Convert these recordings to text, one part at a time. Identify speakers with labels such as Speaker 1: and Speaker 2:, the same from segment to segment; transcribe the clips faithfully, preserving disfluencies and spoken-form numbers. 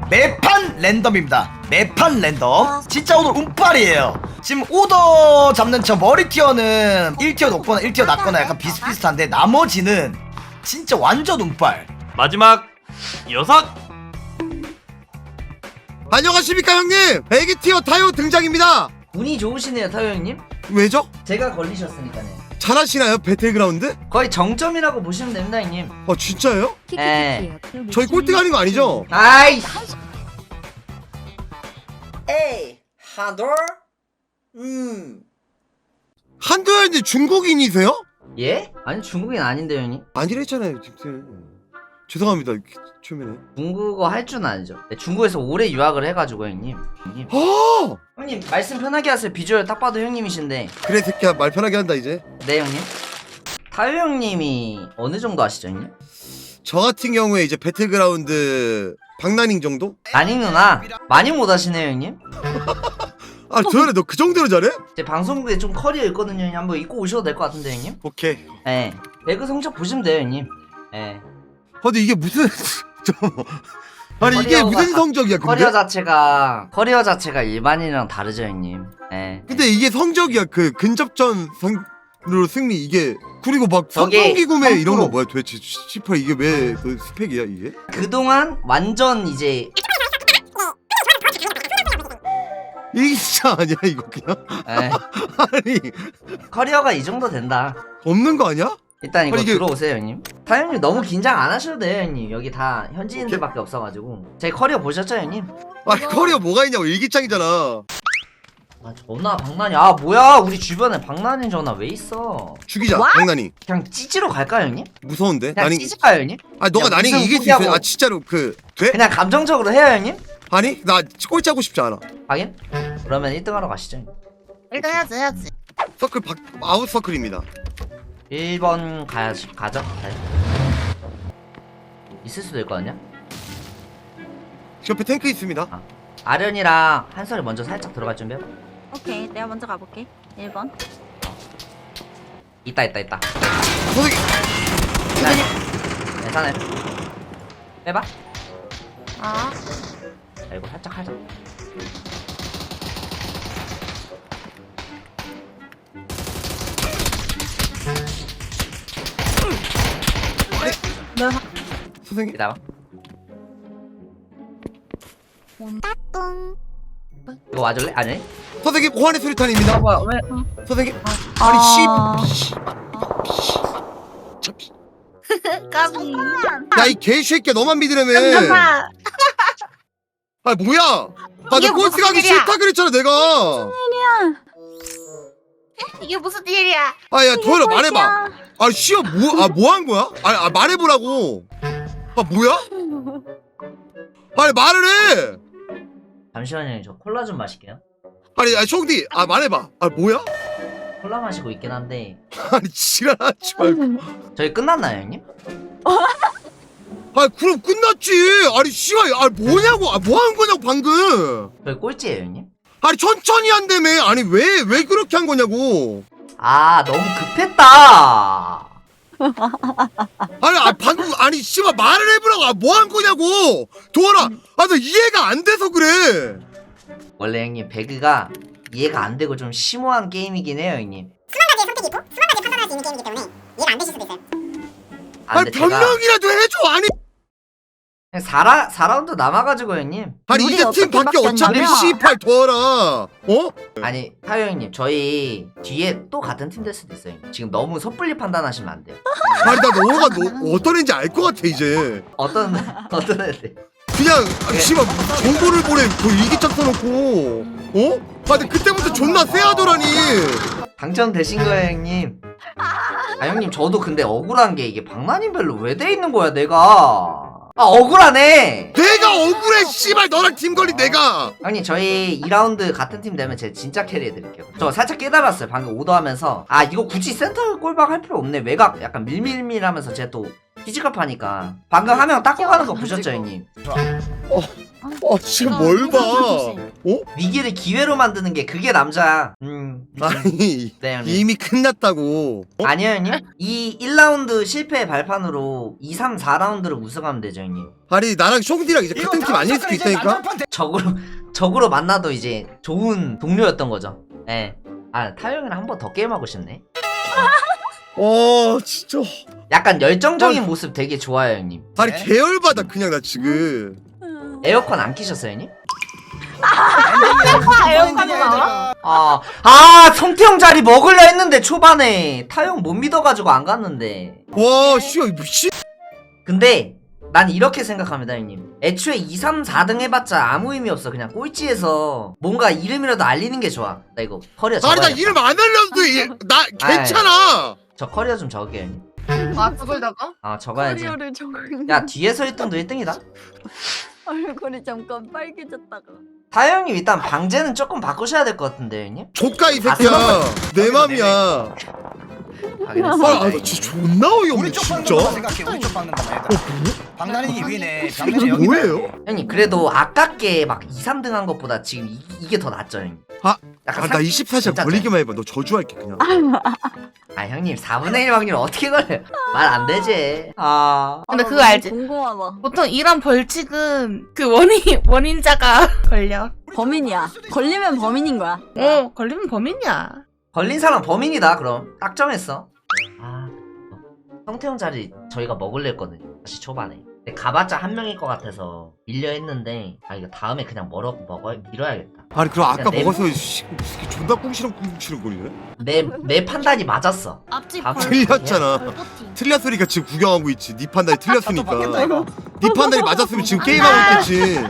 Speaker 1: 매판 랜덤입니다. 매판 랜덤. 진짜 오늘 운빨이에요. 지금 오더 잡는 저 머리 티어는 일 티어 높거나 일 티어 낮거나 약간 비슷비슷한데 나머지는 진짜 완전 운빨.
Speaker 2: 마지막 여섯.
Speaker 3: 안녕하십니까 형님. 배기 티어 타요 등장입니다.
Speaker 4: 운이 좋으시네요, 타요 형님.
Speaker 3: 왜죠?
Speaker 4: 제가 걸리셨으니까요.
Speaker 3: 잘하시나요 배틀그라운드?
Speaker 4: 거의 정점이라고 보시면 됩니다, 형님.
Speaker 3: 아 진짜요?
Speaker 4: 에.
Speaker 3: 저희 꼴등 하는 거 아니죠?
Speaker 4: 아이. 에이, 한돌. 음.
Speaker 3: 한도현님 중국인이세요?
Speaker 4: 예? 아니 중국인 아닌데 형님.
Speaker 3: 아니랬잖아요 지금. 죄송합니다 초면에.
Speaker 4: 중국어 할 줄은 아니죠. 네, 중국에서 오래 유학을 해가지고 형님. 형님.
Speaker 3: 아
Speaker 4: 형님 말씀 편하게 하세요. 비주얼 딱 봐도 형님이신데.
Speaker 3: 그래 새끼야 말 편하게 한다 이제.
Speaker 4: 네 형님. 타요 형님이 어느 정도 아시죠 형님?
Speaker 3: 저 같은 경우에 이제 배틀그라운드 박나닝 정도?
Speaker 4: 나닝 누나 많이 못 하시네요 형님.
Speaker 3: 아 도현아 너 그 정도로 잘해?
Speaker 4: 제 방송국에 좀 커리어 있거든요 형님. 한번 입고 오셔도 될 것 같은데 형님.
Speaker 3: 오케이.
Speaker 4: 예. 배그 성적 보시면 돼요 형님. 예.
Speaker 3: 아 근데 이게 무슨 저 아니 이게
Speaker 4: 커리어가
Speaker 3: 무슨
Speaker 4: 자-
Speaker 3: 성적이야 근데?
Speaker 4: 커리어 자체가 커리어 자체가 일반인이랑 다르죠 형님. 예.
Speaker 3: 근데 이게 성적이야 그 근접전 성으로 승리 이게 그리고 막
Speaker 4: 저게
Speaker 3: 성공기 구매 이런 거
Speaker 4: 삼 퍼센트.
Speaker 3: 뭐야 도대체 씨발 이게 왜 그 스펙이야 이게?
Speaker 4: 그동안 완전 이제
Speaker 3: 이게 진짜 아니야 이거 그냥?
Speaker 4: 예.
Speaker 3: 아니
Speaker 4: 커리어가 이 정도 된다.
Speaker 3: 없는 거 아니야?
Speaker 4: 일단 이거
Speaker 3: 아니, 이게-
Speaker 4: 들어오세요 형님. 타 형님 너무 긴장 안 하셔도 돼요 형님. 여기 다 현지인들밖에 없어가지고. 제 커리어 보셨죠 형님?
Speaker 3: 아 커리어 뭐가 있냐고 일기장이잖아.
Speaker 4: 아 전화 박난이. 아 뭐야 우리 주변에 박난이 전화 왜 있어?
Speaker 3: 죽이자 장난이.
Speaker 4: 그냥 찌찌로 갈까요 형님?
Speaker 3: 무서운데?
Speaker 4: 그냥
Speaker 3: 나닝
Speaker 4: 찌질까요 형님?
Speaker 3: 아 너가
Speaker 4: 그냥
Speaker 3: 나닝
Speaker 4: 무슨
Speaker 3: 이길 수 있어?
Speaker 4: 포기하고.
Speaker 3: 아 진짜로 그 돼?
Speaker 4: 그냥 감정적으로 해요 형님?
Speaker 3: 아니 나 꼴찌 하고 싶지 않아.
Speaker 4: 하긴? 그러면 일 등 하러 가시죠.
Speaker 5: 일단 해야지 해야지.
Speaker 3: 서클 박 아웃 서클입니다.
Speaker 4: 일 번 가야지. 가죠. 가요. 있을 수도 있거든요.
Speaker 3: 옆에 탱크 있습니다.
Speaker 4: 아. 아련이랑 한솔이 먼저 살짝 들어갈 준비해봐.
Speaker 5: 오케이 내가 먼저 가볼게. 일 번.
Speaker 4: 있다 있다 있다.
Speaker 3: 선생님
Speaker 4: 네. 괜찮아요. 빼봐.
Speaker 5: 아
Speaker 4: 자, 이거 살짝 하자.
Speaker 5: 내가
Speaker 3: 선생님
Speaker 4: 기다려.
Speaker 5: 온따뚱.
Speaker 4: 이거 와줄래? 아니?
Speaker 3: 선생님 호환의 수류탄입니다.
Speaker 4: 뭐야 왜?
Speaker 3: 선생님
Speaker 5: 아.
Speaker 3: 아니 씨.
Speaker 5: 까비.
Speaker 3: 야이 개새끼야 너만 믿으려면.
Speaker 5: 잠깐만.
Speaker 3: 아 뭐야? 아
Speaker 5: 이게
Speaker 3: 나
Speaker 5: 무슨
Speaker 3: 꼴찌 가기
Speaker 5: 일이야?
Speaker 3: 싫다 그랬잖아 내가.
Speaker 5: 이게 무슨 일이야?
Speaker 3: 아야 도현아 말해봐. 아 씨야 뭐아 뭐 한 거야? 아, 아 말해보라고. 아 뭐야? 아니 말을 해.
Speaker 4: 잠시만요. 저 콜라 좀 마실게요.
Speaker 3: 아니 아兄弟아 말해봐. 아 뭐야?
Speaker 4: 콜라 마시고 있긴 한데
Speaker 3: 아니 지랄하지 말고.
Speaker 4: 저희 끝났나요 형님?
Speaker 3: 아 그럼 끝났지. 아니 씨발 아 뭐냐고. 아 뭐 한 거냐고 방금.
Speaker 4: 저희 꼴찌예요 형님?
Speaker 3: 아니 천천히 한다며. 아니 왜 왜 그렇게 한 거냐고.
Speaker 4: 아 너무 급했다.
Speaker 3: 아니 아 방금 아니 씨발 말을 해보라고. 아 뭐 한 거냐고. 도원아 아 너 이해가 안 돼서 그래.
Speaker 4: 원래 형님 배그가 이해가 안 되고 좀 심오한 게임이긴 해요 형님.
Speaker 6: 수만 가지의 선택이 있고 수만 가지 판단할 수 있는 게임이기 때문에 이해가 안 되실 수도 있어요.
Speaker 4: 아,
Speaker 3: 아니
Speaker 4: 근데 제가
Speaker 3: 변명이라도 해줘. 아니
Speaker 4: 그냥 사 라, 사 라운드 남아가지고 형님.
Speaker 3: 아니
Speaker 5: 우리
Speaker 3: 이제 팀
Speaker 5: 어떻게
Speaker 3: 밖에 어차피
Speaker 5: 바뀌었냐면-
Speaker 3: 씨팔 도원아. 어?
Speaker 4: 아니 타요 형님 저희 뒤에 또 같은 팀 될 수도 있어요 형님. 지금 너무 섣불리 판단하시면 안 돼요.
Speaker 3: 아니 나 너가 너 어떤 애인지 알 것 같아 이제.
Speaker 4: 어떤 어떤 애들.
Speaker 3: 그냥 아, 씨발 정보를 보내 그 일기장 써놓고 어? 아 근데 그때부터 존나 쎄하더라니.
Speaker 4: 당첨되신 거예요 형님. 아 형님 저도 근데 억울한 게 이게 박나님별로 왜 돼 있는 거야 내가. 아 억울하네.
Speaker 3: 내가 억울해 씨발 너랑 팀 걸린 내가.
Speaker 4: 형님 저희 이 라운드 같은 팀 되면 제가 진짜 캐리해드릴게요. 저 살짝 깨달았어요 방금 오더하면서. 아 이거 굳이 센터 꼴박 할 필요 없네. 외곽 약간 밀밀밀하면서 제가 또 피지컬 파니까 방금 한 명 닦고 가는 거 보셨죠 형님?
Speaker 3: 아 지금 뭘 봐? 어?
Speaker 4: 위기를 기회로 만드는 게 그게 남자야. 음.
Speaker 3: 아니
Speaker 4: 네, 형님.
Speaker 3: 이미 끝났다고. 어?
Speaker 4: 아니요, 형님. 이 일 라운드 실패 발판으로 이, 삼, 사 라운드를 우승하면 되죠, 형님.
Speaker 3: 아니 나랑 숑디랑 이제 같은 팀 아닐 수도 있다니까.
Speaker 4: 적으로 적으로 만나도 이제 좋은 동료였던 거죠. 예. 아, 타영이랑 한 번 더 게임하고 싶네.
Speaker 3: 와 진짜.
Speaker 4: 약간 열정적인 모습 되게 좋아요, 형님.
Speaker 3: 아니 계열받아 그냥 나 지금.
Speaker 4: 에어컨 안 키셨어요, 형님?
Speaker 5: 에어컨이 나와?
Speaker 4: 아, 아, 성태형 자리 먹으려 했는데 초반에 타영 못 믿어가지고 안 갔는데.
Speaker 3: 와 씨야 미친.
Speaker 4: 근데 난 이렇게 생각합니다, 형님. 애초에 이, 삼, 사 등 해봤자 아무 의미 없어. 그냥 꼴찌에서 뭔가 이름이라도 알리는 게 좋아. 나 이거 커리어
Speaker 3: 아니 나
Speaker 4: 적어야겠다.
Speaker 3: 이름 안 알려도 이- 나 괜찮아.
Speaker 4: 저 커리어 좀 적을게요, 형님.
Speaker 5: 아 그걸다가?
Speaker 4: 아, 적어야지.
Speaker 7: 커리어를 적은
Speaker 4: 야, 뒤에서 일 등도 일 등이다.
Speaker 7: 얼굴이 잠깐 빨개졌다가.
Speaker 4: 타영님 일단 방제는 조금 바꾸셔야 될 것 같은데, 형님?
Speaker 3: 조카 이 새끼야. 내 맘이야.
Speaker 4: 확인했어.
Speaker 3: 아, 아, 나 진짜 존나 어이없네
Speaker 1: 우리 쪽 박는
Speaker 3: 진짜.
Speaker 1: 거만 생각해. 우리 쪽 박는 거만 얘들아. 방단이 위네. 방단이 여기.
Speaker 3: 뭐예요?
Speaker 4: 형님, 그래도 아깝게 막 이, 삼 등 한 것보다 지금 이, 이게 더 낫죠, 형님.
Speaker 3: 아,
Speaker 4: 약간
Speaker 3: 아, 나 이십사 시간
Speaker 4: 진짜
Speaker 3: 걸리기만 해봐. 너 저주할게 그냥.
Speaker 4: 아, 형님, 사분의 일 확률 어떻게 걸려요? 말 안 되지. 아.
Speaker 5: 근데
Speaker 7: 아,
Speaker 5: 그거
Speaker 7: 너무
Speaker 5: 알지?
Speaker 7: 궁금하다.
Speaker 5: 보통 이런 벌칙은 그 원인 원인자가 걸려.
Speaker 7: 범인이야. 걸리면 범인인 거야.
Speaker 5: 어 걸리면 범인이야.
Speaker 4: 걸린 사람 범인이다, 그럼. 딱 정했어. 아, 성태형 자리 저희가 먹으려 했거든요. 다시 초반에. 근데 가봤자 한 명일 것 같아서 밀려 했는데, 아, 이거 다음에 그냥 멀어, 먹어, 밀어야겠다.
Speaker 3: 아니 그럼 아까
Speaker 4: 야, 내-
Speaker 3: 먹어서 씨, 새끼 존나 꿍시렁 꿍시렁 거리네.
Speaker 4: 내, 내 판단이 맞았어.
Speaker 5: 앞집
Speaker 4: 아,
Speaker 3: 틀렸잖아. 틀렸으니까 지금 구경하고 있지. 네 판단이 틀렸으니까. 네 판단이 맞았으면 지금 게임하고 있겠지.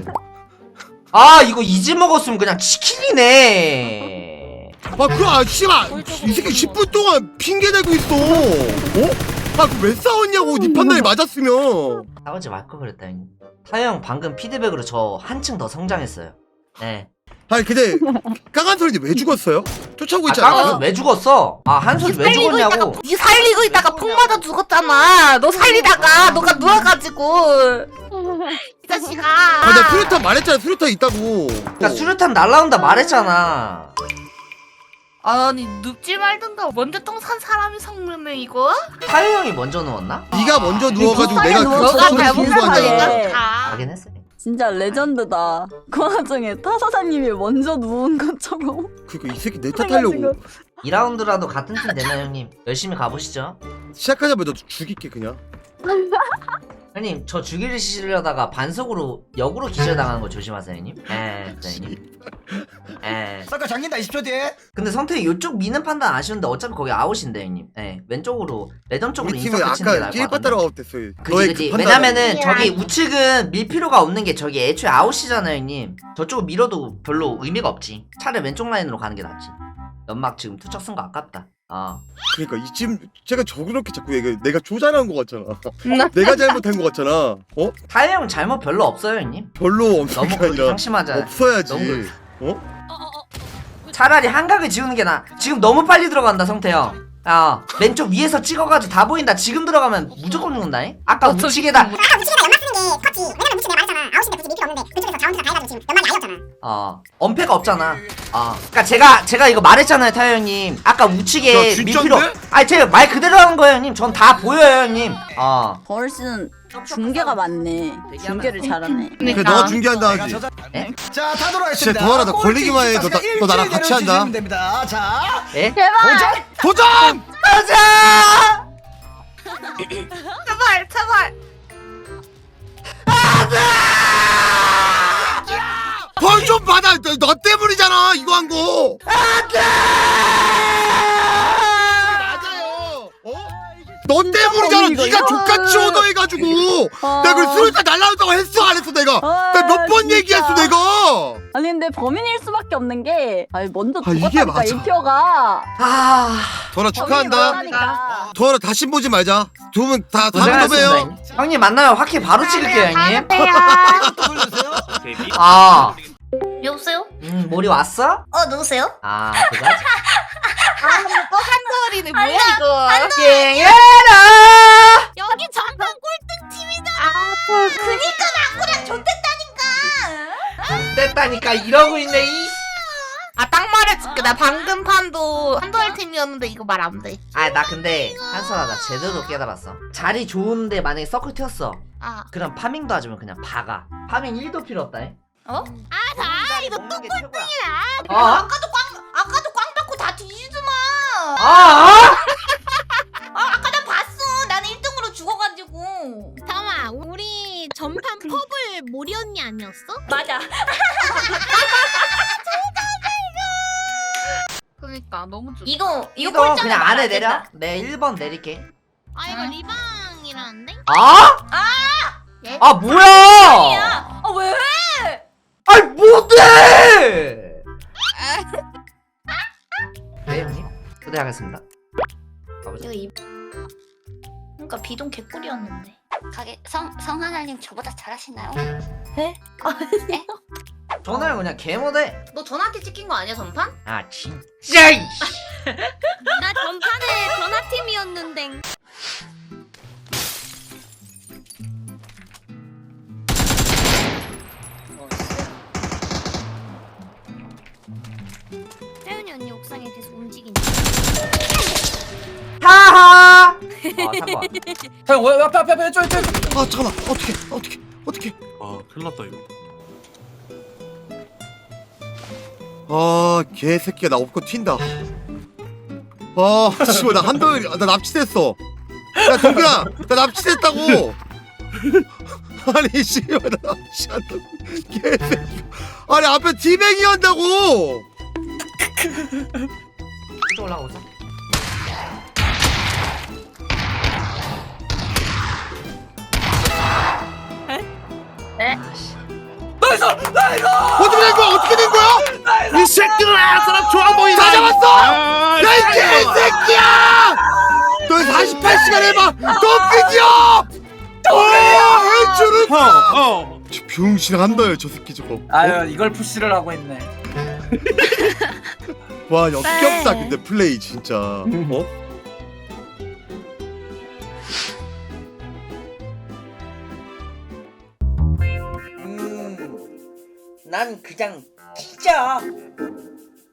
Speaker 4: 아, 이거 이지 먹었으면 그냥 치킨이네.
Speaker 3: 아 그럼 아 씨발 이 새끼 십 분 동안 핑계 대고 있어. 어? 아 그 왜 싸웠냐고. 네 판단이 맞았으면.
Speaker 4: 싸우지 말 걸 그랬다, 형님. 타영 방금 피드백으로 저 한층 더 성장했어요. 네.
Speaker 3: 아니 근데 까간 소리인데 왜 죽었어요? 쫓아오고
Speaker 4: 아,
Speaker 3: 있지
Speaker 4: 까가서
Speaker 3: 않았어요?
Speaker 4: 왜 죽었어? 아, 한솔 왜 죽었냐고.
Speaker 5: 니 살리고 있다가 폭 맞아 죽었잖아. 너 살리다가 너가 누워가지고 이 자식아.
Speaker 3: 아 내가 수류탄 말했잖아. 수류탄 있다고.
Speaker 4: 그니까 수류탄 날라온다 말했잖아.
Speaker 5: 아니 눕지 말든가. 먼저 똥 산 사람이 성능네 이거.
Speaker 4: 타요 형이 먼저 누웠나?
Speaker 3: 네가 먼저 누워가지고
Speaker 7: 비슷하게
Speaker 3: 내가
Speaker 7: 누워서
Speaker 3: 그
Speaker 5: 너가
Speaker 3: 소리
Speaker 5: 잘못
Speaker 3: 듣는 거 아니야.
Speaker 7: 잘못하니까.
Speaker 5: 다.
Speaker 4: 확인했어.
Speaker 7: 진짜 레전드다. 그 와중에 타사장님이 먼저 누운 것처럼.
Speaker 3: 그니까 이 새끼 내 탓하려고.
Speaker 4: 이 라운드라도 같은 팀 되나요, 형님? 열심히 가보시죠.
Speaker 3: 시작하자마자 너 죽일게 그냥.
Speaker 4: 형님, 저 죽이시려다가 반속으로 역으로 기절당하는 거 조심하세요, 형님. 에, 네, 형님. 에.
Speaker 1: 싹가 잠긴다 이십 초 뒤에.
Speaker 4: 근데 성태이 요쪽 미는 판단 아쉬운데 어차피 거기 아웃인데, 형님. 예, 왼쪽으로 레전 쪽으로
Speaker 3: 우리
Speaker 4: 인석
Speaker 3: 팀은
Speaker 4: 붙이는 게
Speaker 3: 아까
Speaker 4: 나을 것
Speaker 3: 낄
Speaker 4: 같은데.
Speaker 3: 빠따라고 됐어.
Speaker 4: 그지 그지. 왜냐면은 저기 우측은 밀 필요가 없는 게 저기 애초에 아웃이잖아요, 형님. 저쪽을 밀어도 별로 의미가 없지. 차라리 왼쪽 라인으로 가는 게 낫지. 연막 지금 투척 쓴 거 아깝다. 어.
Speaker 3: 그러니까 이쯤 제가 저렇게 자꾸 얘기 내가 조잘한 거 같잖아. 내가 잘못한 거 같잖아. 어?
Speaker 4: 타이어 형 잘못 별로 없어요, 형님.
Speaker 3: 별로 없는
Speaker 4: 너무
Speaker 3: 게
Speaker 4: 그렇게
Speaker 3: 아니라
Speaker 4: 상심하잖아.
Speaker 3: 없어야지.
Speaker 4: 너무
Speaker 3: 어?
Speaker 4: 차라리 한각을 지우는 게 나아. 지금 너무 빨리 들어간다, 성태형. 야, 왼쪽 위에서 찍어가지고 다 보인다. 지금 들어가면 무조건 죽는다잉? 아까
Speaker 5: 어쩌-
Speaker 4: 우측에다.
Speaker 6: 아까 우측에다 연막 쓰는 게 컸지. 왜냐면 우측 내가 말했잖아. 아웃인데 굳이 밀 필요 없는데 그쪽에서 자원투자 다 해가지고 지금 연막이 아니었잖아.
Speaker 4: 어, 엄폐가 없잖아. 어. 그니까 제가, 제가 이거 말했잖아요, 타이어 형님. 아까 우측에
Speaker 3: 야,
Speaker 4: 밀
Speaker 3: 진짠데?
Speaker 4: 필요. 아니, 제가 말 그대로 하는 거예요, 형님. 전 다 보여요, 형님. 어.
Speaker 7: 벌스는 중계가 많네. 중계를 잘하네.
Speaker 3: 그래 너가 중계한다
Speaker 1: 내가
Speaker 3: 하지.
Speaker 1: 저자-
Speaker 4: 에?
Speaker 1: 자 타도록 하겠습니다.
Speaker 3: 진짜 도하라, 너 걸리기만 해. 너 나- 너 나랑 같이 한다.
Speaker 1: 됩니다. 자
Speaker 4: 예?
Speaker 1: 도전.
Speaker 3: 도전!
Speaker 4: 가자!
Speaker 5: 제발 제발.
Speaker 3: 벌 좀 받아. 너, 너 때문이잖아 이거 한 거. 맞아요. 어? 너 때문이잖아.
Speaker 7: 이거,
Speaker 3: 네가
Speaker 7: 이거.
Speaker 3: 족같이 오더해가지고.
Speaker 7: 아.
Speaker 3: 내가 그 수류탄 날라온다고 했어 안 했어 내가.
Speaker 7: 아,
Speaker 3: 내가 몇 번
Speaker 7: 진짜.
Speaker 3: 얘기했어 내가.
Speaker 7: 아니 근데 범인일 수밖에 없는 게 아니 먼저
Speaker 3: 아, 이게
Speaker 7: 죽었다니까
Speaker 3: 맞아.
Speaker 7: 일티어가.
Speaker 4: 아.
Speaker 3: 도하라 축하한다.
Speaker 7: 범인이라니까.
Speaker 3: 도하라 다시 보지 말자. 두 분 다 다음에
Speaker 4: 고생하셨습니다,
Speaker 3: 봬요.
Speaker 4: 형님. 형님 만나면 확히 바로 찍을게요, 형님.
Speaker 1: 돌려주세요.
Speaker 4: 아.
Speaker 5: 여보세요?
Speaker 4: 음, 몰이 왔어?
Speaker 5: 어 누구세요?
Speaker 4: 아, 그거지.
Speaker 5: 아 또 한돌이네 뭐야 이거.
Speaker 4: 갱해라!
Speaker 5: 여기 전반 꼴등 팀이잖아. 아 그니까 나꾸랑 좋댔다니까.
Speaker 4: 말했다니까 이러고 있네 이.
Speaker 5: 아 딱 말해줄게. 나 방금 판도 한도일 팀이었는데 이거 말 안 돼.
Speaker 4: 아 나 근데 한솔아 나 제대로 깨달았어. 자리 좋은데 만약에 서클 튀었어.
Speaker 5: 아
Speaker 4: 그럼 파밍도 하지면 그냥 박아. 파밍 일도 필요 없다. 해.
Speaker 5: 어? 아나 이거
Speaker 4: 먹는 게 최고야.
Speaker 5: 어?
Speaker 4: 어?
Speaker 5: 아까도 꽝 아까도 꽝 받고 다 뒤지더만.
Speaker 4: 아, 아?
Speaker 5: 아 아까 나 봤어. 나는 일 등으로 죽어가지고.
Speaker 8: 잠깐만 우리 전판 퍼블 모리 언니 아니었어?
Speaker 5: 맞아. 그러니까 너무 좋. 이거 이거
Speaker 4: 이거
Speaker 5: 꼴찌하면
Speaker 4: 그냥
Speaker 5: 말
Speaker 4: 아래
Speaker 5: 안
Speaker 4: 내려.
Speaker 5: 된다.
Speaker 4: 내 일 번 내릴게.
Speaker 8: 아 이거
Speaker 5: 응.
Speaker 8: 리방이라는데?
Speaker 4: 아?
Speaker 5: 얘?
Speaker 4: 아 뭐야?
Speaker 5: 아 왜?
Speaker 4: 아이 못해. 네 형님. 초대하겠습니다. 가보자.
Speaker 5: 이거 이. 그러니까 비동 개꿀이었는데.
Speaker 6: 가게 성 성하나님 저보다 잘하시나요?
Speaker 4: 전화를 그냥 개못해.
Speaker 5: 너 전화한테 찍힌 거 아니야 전판?
Speaker 4: 아 진짜. 이
Speaker 8: 나 전판에 전화팀이었는데. 태윤이 언니 옥상에 계속 움직인다.
Speaker 4: 하하. 어 삼 번.
Speaker 9: 형, 왜 앞에 앞에 앞에 왼쪽 왼쪽.
Speaker 3: 아 잠깐만 어떻게 어떻게 어떻게
Speaker 2: 아 큰일 났다 이거.
Speaker 3: 아 개새끼가 나 없고 튄다 아 씨발 나 한도일 나 납치됐어 야 동근아 나 납치됐다고 아니 씨발 나 납치한다고 개새끼 아니 앞에 디뱅이 한다고
Speaker 4: 또 올라오자.
Speaker 9: 나이스 나이스.
Speaker 3: 어떻게 된 거야 어떻게 된 거야
Speaker 9: 이 새끼들아 사람 좋아 보이네.
Speaker 3: 다 잡았어 야 이 개새끼야 너 사십팔 시간 해봐 너 끄디어 와 해주는
Speaker 2: 형, 형.
Speaker 3: 병신 한다요 저 새끼 저거
Speaker 9: 아유 이걸 푸시를 하고 있네.
Speaker 3: 와 역겹다 근데 플레이 진짜 어?
Speaker 4: 음, 난 그냥 진짜